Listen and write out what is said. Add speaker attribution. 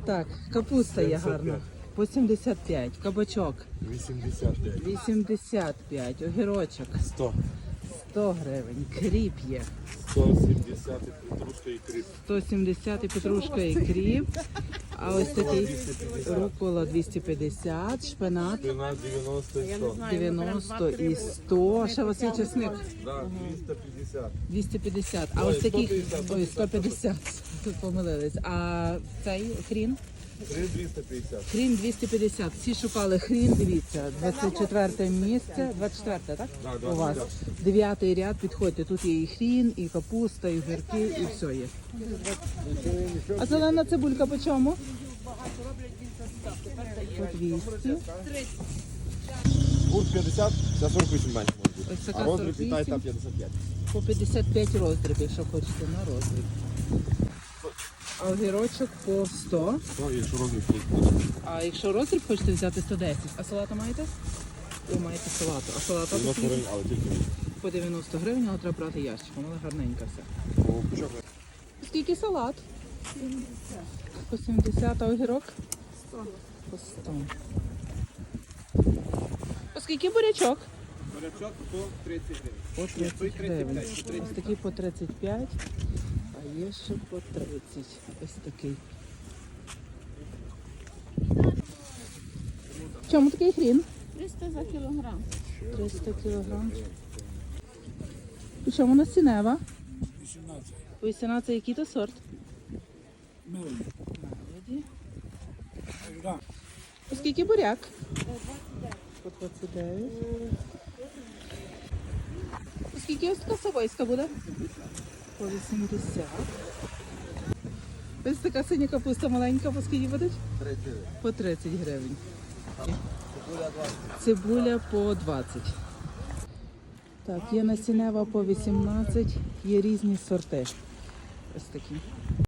Speaker 1: Так, капуста є гарна. По 75, кабачок
Speaker 2: 85.
Speaker 1: 85, огірочок
Speaker 2: 100.
Speaker 1: 100 гривень, кріп є
Speaker 2: 170 петрушка і кріп.
Speaker 1: 170 і петрушка і кріп. А ось такий рукола 250, шпинат
Speaker 2: Спина 90 і 100.
Speaker 1: 90 і 100. Ще у вас є чесник
Speaker 2: Да, 250.
Speaker 1: 250. А
Speaker 2: Ой,
Speaker 1: ось такий
Speaker 2: 150.
Speaker 1: ой, 150. Тут помилились. А цей хрін?
Speaker 2: 250.
Speaker 1: Хрін 250. Всі шукали хрін, дивіться. 24 місце. 24, так?
Speaker 2: Да,
Speaker 1: У вас. 9-й ряд, підходьте. Тут є і хрін, і капуста, і огірки, і все є. А зелена цибулька по чому? По 200.
Speaker 2: Гурт 50, за 48 менше може бути.
Speaker 1: Ось така
Speaker 2: А роздріб
Speaker 1: 48.
Speaker 2: Вітай та 55.
Speaker 1: По 55 роздріб, якщо хочете на роздріб. А огірочок по 100.
Speaker 2: Ну, якщо роздріб буде.
Speaker 1: А якщо роздріб хочете взяти 110. А салата маєте? Ви маєте салату. А салата
Speaker 2: 90 гривень, але тільки.
Speaker 1: по 90 гривень, але треба брати ящиком, але гарненька все.
Speaker 2: О, пучок.
Speaker 1: Скільки салат? 70. По 70, а огірок? 100. По 100. По скільки бурячок?
Speaker 2: Бурячок по 30 гривень.
Speaker 1: По 30 гривень. Ось такий по 35, а є ще по 30. Ось такий. В чому такий хрін?
Speaker 3: 300 за кілограм.
Speaker 1: 300 кілограм. І чому у нас цінева?
Speaker 4: 18.
Speaker 1: 18, який то сорт?
Speaker 4: Мелоді.
Speaker 1: Молоді.
Speaker 4: Да.
Speaker 1: По скільки буряк? По 29. По скільки ось така савойська буде? По 80. Ось така синя капуста маленька, по скільки буде?
Speaker 2: 30 гривень.
Speaker 1: По 30 гривень.
Speaker 2: Цибуля 20.
Speaker 1: Цибуля по 20. Так, є насінева по 18, є різні сорти. Ось такі.